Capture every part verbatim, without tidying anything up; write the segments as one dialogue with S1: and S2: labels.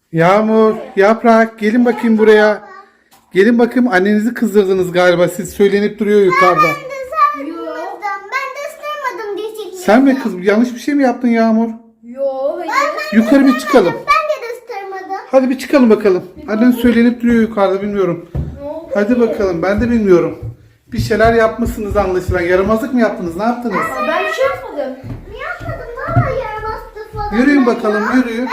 S1: Yağmur, Yaprak gelin bakayım buraya. Gelin bakayım, annenizi kızdırdınız galiba. Siz söylenip duruyor yukarıda.
S2: Ben de sarmadım. Ben de ısırmadım diyecektim.
S1: Sen mi kız? Yanlış bir şey mi yaptın Yağmur?
S3: Yo hayır.
S1: Yukarı bir çıkalım.
S2: Ben de ısırmadım.
S1: Hadi bir çıkalım bakalım. Annen söylenip duruyor yukarıda, bilmiyorum. Hadi bakalım, ben de bilmiyorum. Bir şeyler yapmışsınız anlaşılan. Yaramazlık mı yaptınız? Ne yaptınız?
S3: Aa, ben bir şey yapmadım.
S2: Ne yapmadım? Valla yaramazdı falan.
S1: Yürüyün
S2: Ben
S1: bakalım,
S2: ya-
S1: yürüyün.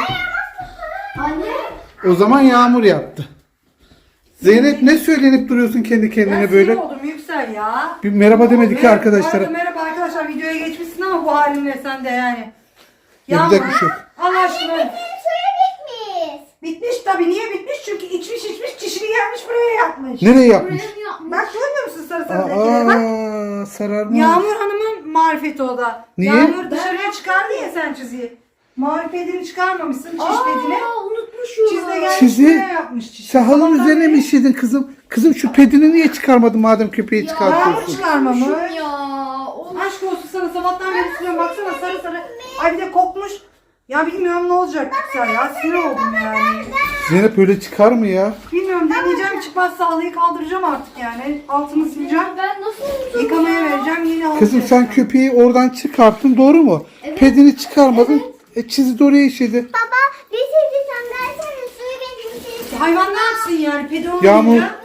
S3: Anne.
S1: O zaman Yağmur yaptı. Zeynep, ne söylenip duruyorsun kendi kendine
S4: Ben
S1: böyle?
S4: sinir oldum Yüksel ya.
S1: Bir merhaba demedik ki
S4: Merhaba,
S1: arkadaşlara.
S4: Merhaba arkadaşlar, videoya geçmişsin ama bu halinle sen de yani.
S1: Yapacak bir şey yok.
S4: Allah aşkına.
S2: Benim suyu bitmiş.
S4: Bitmiş tabii. Niye bitmiş? Çünkü içmiş içmiş çişini gelmiş buraya yapmış.
S1: Nereye yapmış?
S4: Bak görmüyor musun sarı sarı lekeleri? Bak.
S1: Aa, sararmış.
S4: Yağmur Hanım'ın marifeti o da.
S1: Niye?
S4: Yağmur dışarıya çıkardı ya sen çiziyi. Marifetini çıkarmamışsın, çiş pedini.
S3: Aa unutmuşum.
S4: Çizde gelmiş
S1: Çizi?
S4: buraya yapmış çişini.
S1: Sen halının
S4: Sabahtan
S1: üzerine
S4: beri-
S1: mi işledin kızım? Kızım şu pedini niye çıkarmadın madem köpeği
S4: Yağmur
S1: çıkartıyorsun?
S4: çıkarmamış.
S3: Ya. Of.
S4: Aşk olsun sana, sabahtan beri siliyorum, baksana sarı sarı. Ay bir de kokmuş. Ya bilmiyorum ne olacak Yüksel ya, sinir oldum yani.
S1: Zeynep öyle çıkar mı ya?
S4: Bilmiyorum, deneyeceğim, çıkmazsa halıyı kaldıracağım artık yani. Altını sileceğim.
S3: Ben nasıl unuttum?
S4: Yıkamaya vereceğim, yeni halı
S1: Kızım sen
S4: sereceğim.
S1: köpeği oradan çıkarttın, doğru mu?
S3: Evet.
S1: Pedini çıkarmadın. E, çizi de oraya işledi.
S2: Baba bir şey diyeceğim. Dersene suyu bitmiş.
S4: Hayvan ne yapsın yani, pedi olmayınca?
S1: Yağmur.
S2: Ta.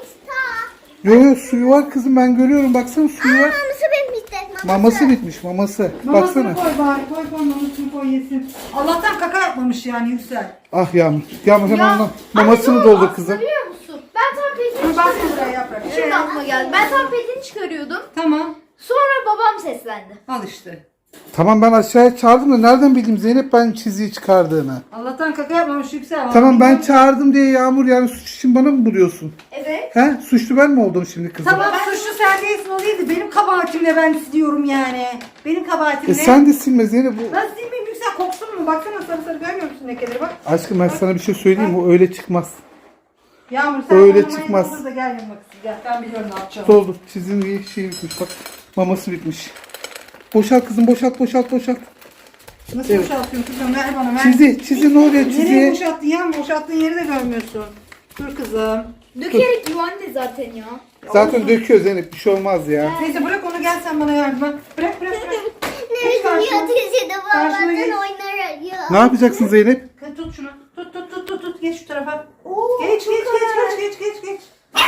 S1: Yo yo, suyu var kızım, ben görüyorum, baksana suyu var.
S2: Maması bitmiş de.
S1: Maması bitmiş, maması.
S4: Mamasını
S1: Baksana.
S4: koy bari, koy koy mamasını koy yesin. Allah'tan kaka yapmamış yani Yüksel.
S1: Ah Yağmur. Yağmur hemen ona
S3: Anne,
S1: mamasını
S3: dur,
S1: doldur
S3: aslında
S1: kızım.
S3: biliyor musun? Ben tam pedini
S4: Dur bak
S3: çıkarıyordum.
S4: buraya yaprak.
S3: Şimdi
S4: Ee,
S3: aklıma geldi. Ben tam pedini çıkarıyordum.
S4: Tamam,
S3: Sonra babam seslendi.
S4: al işte.
S1: Tamam, ben aşağıya çağırdım da nereden bileyim Zeynep ben çiziyi çıkardığını.
S4: Allah'tan kaka yapmamış Yüksel.
S1: Tamam, ben
S4: Bilmiyorum.
S1: çağırdım diye Yağmur yani suç için bana mı buluyorsun?
S3: Evet.
S1: He? Suçlu ben mi oldum şimdi kızım?
S4: Tamam, suçlu sen değilsin, o değildi. Benim kabahatimle ben siliyorum yani. Benim
S1: E
S4: kabahatimle.
S1: sen de silme Zeynep. Bu...
S4: Ben silmeyeyim Yüksel, koksun mu? Baksana sarı sarı, görmüyor musun lekeleri bak.
S1: Aşkım ben sana bir şey söyleyeyim mi? O öyle çıkmaz.
S4: Yağmur sen
S1: Öyle
S4: bana
S1: çıkmaz.
S4: mayın doldur da gel yanıma kızım, gel. Ben biliyorum ne yapacağım.
S1: Doldur. Çizim bir şey bitmiş bak. Maması bitmiş. Boşalt kızım, boşalt boşalt boşalt.
S4: Nasıl
S1: Evet.
S4: boşaltıyorsun kızım? Ver bana, ver.
S1: Çizi, çizi ne oluyor
S4: Nereye
S1: çiziye?
S4: boşalttın ya? Boşalttığın yeri de görmüyorsun. Dur kızım.
S3: Dökerek yuvan ne zaten ya.
S1: Zaten döküyor Zeynep, bir şey olmaz ya.
S4: Neyse bırak onu, gel sen bana yardım et. Bırak bırak bırak.
S2: Ne
S4: Geç karşıma.
S2: biçim yatırıcı da
S4: Karşıma
S2: babadan
S4: geç.
S2: oynar ya.
S1: Ne yapacaksın Zeynep?
S4: Tut şunu. Tut tut tut tut tut. Geç şu tarafa. Geç geç geç geç geç geç geç.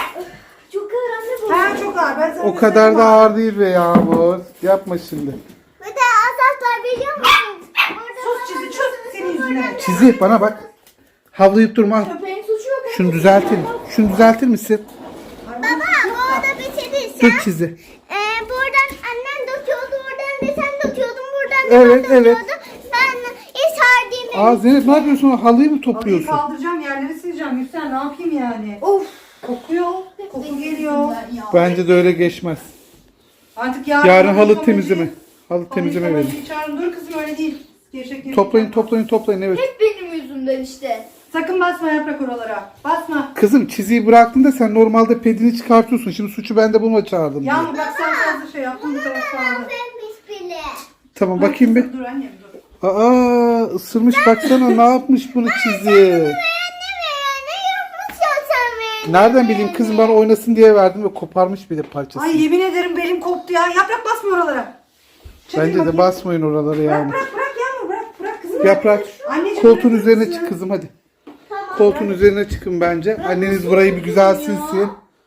S3: Çok ağır anne bu.
S4: Ha çok ağır. Ben sana
S1: O kadar
S4: göstereyim
S1: da
S4: ağır.
S1: ağır değil be Yağmur. Yapma şimdi.
S2: Bir de asaslar biliyor musunuz? Burada
S4: Sus çizi sus. Senin yüzünden.
S1: Çizi bana bak. Havlayıp durma.
S3: Köpeğin suçu yok.
S1: Şunu düzeltir. Şunu düzeltir misin?
S2: Baba bu arada bir şey değil.
S1: Dur çizi.
S2: Ee, buradan annen döküyordu, buradan da sen döküyordun, buradan da
S1: Evet,
S2: ben
S1: evet.
S2: döküyordum. Ben hiç harcayayım.
S1: Aa Zeynep, ne yapıyorsun? Halıyı mı
S4: Halıyı
S1: topluyorsun?
S4: kaldıracağım, yerleri sileceğim. Yüksel ne yapayım yani? Of. Kokuyor. Koku geliyor.
S1: Bence de öyle geçmez.
S4: Artık yarın,
S1: Yarın halı
S4: yıkamacıyı-
S1: temizleme. Halı
S4: halı
S1: temizleme verin.
S4: yıkamacıyı çağırın. Dur kızım, öyle değil. Gevşek gevşek
S1: Toplayın
S4: yapma.
S1: toplayın toplayın, evet.
S3: Hep benim yüzümden işte.
S4: Sakın basma yaprak oralara. Basma.
S1: Kızım çiziyi bıraktın da sen normalde pedini çıkartıyorsun. Şimdi suçu ben de bulma çağırdım diye.
S4: Yağmur bak sen fazla şey yaptın, bu taraf sağladı.
S2: Vermiş bile.
S1: Tamam bakayım bir.
S4: Dur annem dur.
S1: Aa ısırmış, baksana ne yapmış bunu çizi.
S2: Anne ya, ne yapmışsın sen be?
S1: Nereden bileyim kızım, bana oynasın diye verdim ve koparmış bir de parçasını.
S4: Ay yemin ederim belim koptu ya. Yaprak basma oralara. Çekil
S1: Bence de
S4: bakayım.
S1: basmayın oralara
S4: Bırak
S1: yani.
S4: bırak bırak Yağmur, bırak bırak kızım.
S1: Yaprak,
S4: Anneciğim,
S1: koltuğun
S4: bırak
S1: üzerine
S4: kızım.
S1: çık kızım hadi. Koltuğun üzerine çıkın bence. Anneniz burayı bir güzel silsin.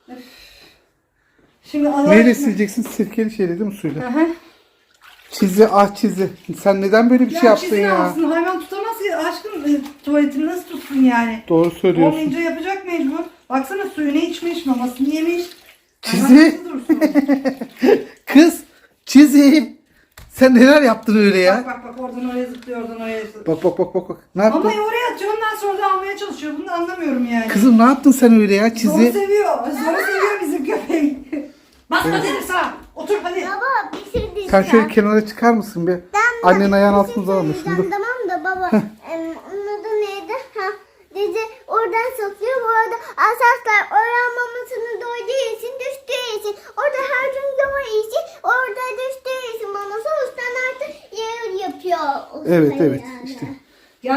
S4: Şimdi Allah
S1: Neyle
S4: aşkına-
S1: sileceksin? Sirkeli şeyle değil mi, suyla?
S4: Hı hı.
S1: Çizi, ah çizi. Sen neden böyle bir şey
S4: Ya
S1: yaptın
S4: çizin
S1: ya?
S4: alsın, hayvan tutamaz ki aşkım, e, tuvaletini nasıl tutsun yani?
S1: Doğru söylüyorsun.
S4: Olmayınca yapacak mecbur. Baksana suyunu içmiş, mamasını yemiş.
S1: Çizi.
S4: Hayvan nasıl dursun?
S1: Kız, çizi. Sen neler yaptın öyle ya?
S4: Bak bak bak, oradan oraya zıplıyor, oradan oraya zıplıyor.
S1: Bak bak bak bak. bak. Ne yaptın?
S4: Mamayı oraya atıyor, ondan sonra da almaya çalışıyor. Bunu da anlamıyorum yani.
S1: Kızım ne yaptın sen öyle ya
S4: Zoru
S1: çizi?
S4: seviyor. Zoru seviyor bizim köpek. Basma dedim sana. Otur hadi.
S2: Baba bir şey diyeceğim.
S1: Sen şöyle kenara çıkar mısın bir? Annen ayağın altına almış. Dur.
S2: Tamam da baba. em, onun adı neydi? Ha, dedi oradan satıyor. Bu arada asaslar oran mamasını doyduğu için düştüğü için. Orada her gün doğru için orada düştüğü için maması ustan artık yer yapıyor. Usta
S1: Evet evet
S2: yani.
S1: işte.
S4: Yalnız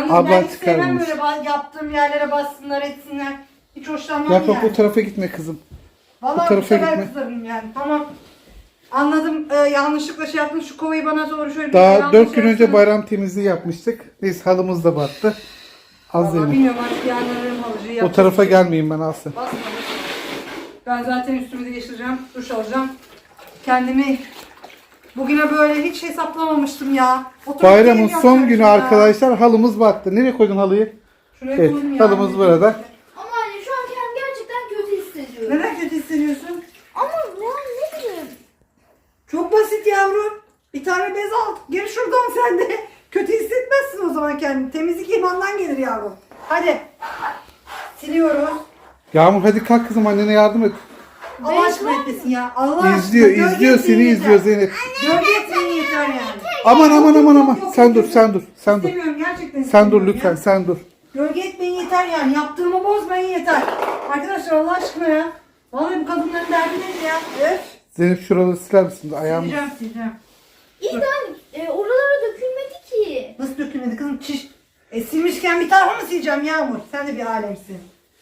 S4: Yalnız
S1: Ablan
S4: ben hiç
S1: çıkarmamış.
S4: sevmem böyle ba- yaptığım yerlere bassınlar etsinler. Hiç hoşlanmam
S1: Yaprak
S4: yani.
S1: o tarafa gitme kızım.
S4: Vallahi bu
S1: tarafa
S4: sefer
S1: gitme.
S4: kızarım yani. Tamam. Anladım. Ee, yanlışlıkla şey yaptım. Şu kovayı bana doğru şöyle bir
S1: Daha
S4: yanlış
S1: dört gün önce
S4: yapsana.
S1: bayram temizliği yapmıştık. Neyse halımız da battı. Az
S4: Vallahi
S1: Zeynep.
S4: bilmiyorum artık yanlarım halıcıyı
S1: O
S4: yapacak
S1: tarafa
S4: bir şey yok.
S1: gelmeyin ben alsın.
S4: Basma, basma. Ben zaten üstümü değiştireceğim. Duş alacağım. Kendimi bugüne böyle hiç hesaplamamıştım ya. Oturup
S1: Bayramın
S4: keyif
S1: son
S4: yapacaktım
S1: günü
S4: ya.
S1: arkadaşlar halımız battı. Nereye koydun halıyı?
S4: Şuraya
S1: Evet,
S4: koydum yani.
S1: halımız burada.
S3: Ama anne şu an kendimi gerçekten kötü hissediyorum.
S4: Neden kötü hissediyorsun?
S3: Ama ya ne bileyim.
S4: Çok basit yavrum. Bir tane bez al. Gir şuradan sen de. Kötü hissetmezsin o zaman kendini. Temizlik imandan gelir yavrum. Hadi. Siliyoruz.
S1: Yağmur hadi kalk kızım annene yardım et.
S4: Allah aşkına etmesin ya. Allah aşkına.
S1: İzliyor,
S4: Gölge
S1: izliyor
S4: etmeyin
S1: seni
S4: yeter.
S1: izliyor Zeynep.
S4: Gölge etmeyin yeter yani.
S1: Aman aman aman aman.
S4: Yok, yok,
S1: Sen
S4: yok,
S1: dur,
S4: yok.
S1: sen dur, sen dur.
S4: İstemiyorum gerçekten
S1: Sen dur
S4: istemiyorum
S1: lütfen,
S4: ya.
S1: sen dur.
S4: Gölge etmeyin yeter yani. Yaptığımı bozmayın yeter. Arkadaşlar Allah aşkına ya. Vallahi bu kadınların derdi nedir ya? Öf.
S1: Zeynep şuraları siler misin? Ayağımı.
S4: Sileceğim sileceğim.
S3: İyi de anne e, oralara dökülmedi ki.
S4: Nasıl dökülmedi kızım? Çiş. E silmişken bir tarafa mı sileceğim Yağmur? Sen de bir alemsin.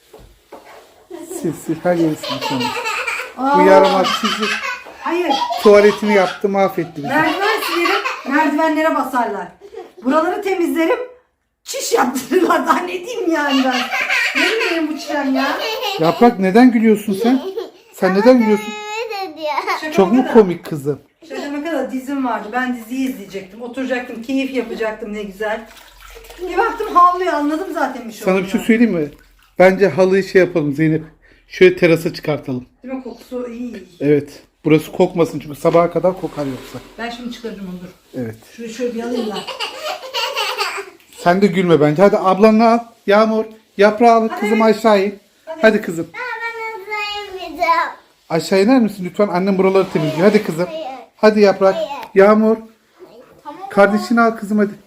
S1: Sil sil her yeri sil. Tamam.
S4: Aa,
S1: Bu yaramaz sizi.
S4: Hayır.
S1: Tuvaletini yaptı mahvetti bizi.
S4: Merdiven silerim. Merdivenlere basarlar. Buraları temizlerim. Çiş yaptırırlar. Daha ne diyeyim yani ben? Ne bileyim bu çişem ya?
S1: Yaprak neden gülüyorsun sen? Sen neden gülüyorsun?
S2: Evet diyor.
S4: Şaka
S1: Çok mu
S4: maka da-
S1: komik kızım?
S4: Şaka kadar dizim vardı. Ben diziyi izleyecektim. Oturacaktım. Keyif yapacaktım ne güzel. Bir baktım havluyor. Anladım zaten bir şey
S1: Sana bir şey
S4: olduğunu.
S1: söyleyeyim mi? Bence halıyı şey yapalım Zeynep. Şöyle terasa çıkartalım.
S4: Değil mi? Kokusu iyi.
S1: Evet. Burası kokmasın çünkü sabaha kadar kokar yoksa.
S4: Ben şimdi çıkaracağım onu dur.
S1: Evet.
S4: Şurayı şöyle bir alayım da.
S1: Sen de gülme bence. Hadi ablanla al. Yağmur. Yaprağı al kızım aşağı in. Hadi kızım.
S2: Ben hazırlayamayacağım.
S1: Aşağı iner misin lütfen? Annem buraları temizliyor. Hadi kızım.
S2: Hayır.
S1: Hadi Yaprak.
S2: Hayır.
S1: Yağmur.
S3: Tamam.
S1: Kardeşini al kızım hadi.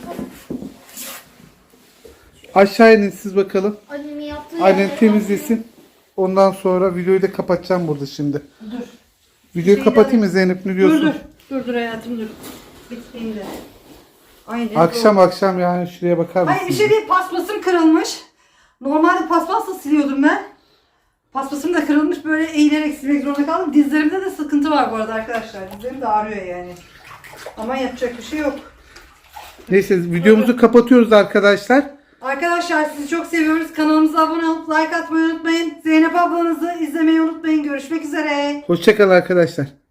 S1: Aşağı inin siz bakalım.
S3: Annemin yaptığı
S1: Annen
S3: yerlere
S1: temizlesin. Ondan sonra videoyu da kapatacağım burada şimdi.
S4: Dur.
S1: Videoyu
S4: Şeyi
S1: kapatayım mı
S4: alayım.
S1: Zeynep ne
S4: Dur
S1: diyorsun?
S4: dur. Dur dur hayatım dur. Bitmeyin de. Aynen.
S1: Akşam
S4: doğru.
S1: akşam yani şuraya bakar mısın?
S4: Hayır bir şey değil, paspasım kırılmış. Normalde paspasla siliyordum ben. Paspasım da kırılmış, böyle eğilerek silmek zorunda kaldım. Dizlerimde de sıkıntı var bu arada arkadaşlar. Dizlerim de ağrıyor yani. Ama yapacak bir şey yok.
S1: Neyse videomuzu kapatıyoruz arkadaşlar.
S4: Arkadaşlar sizi çok seviyoruz. Kanalımıza abone olup like atmayı unutmayın. Zeynep ablanızı izlemeyi unutmayın. Görüşmek üzere.
S1: Hoşçakal arkadaşlar.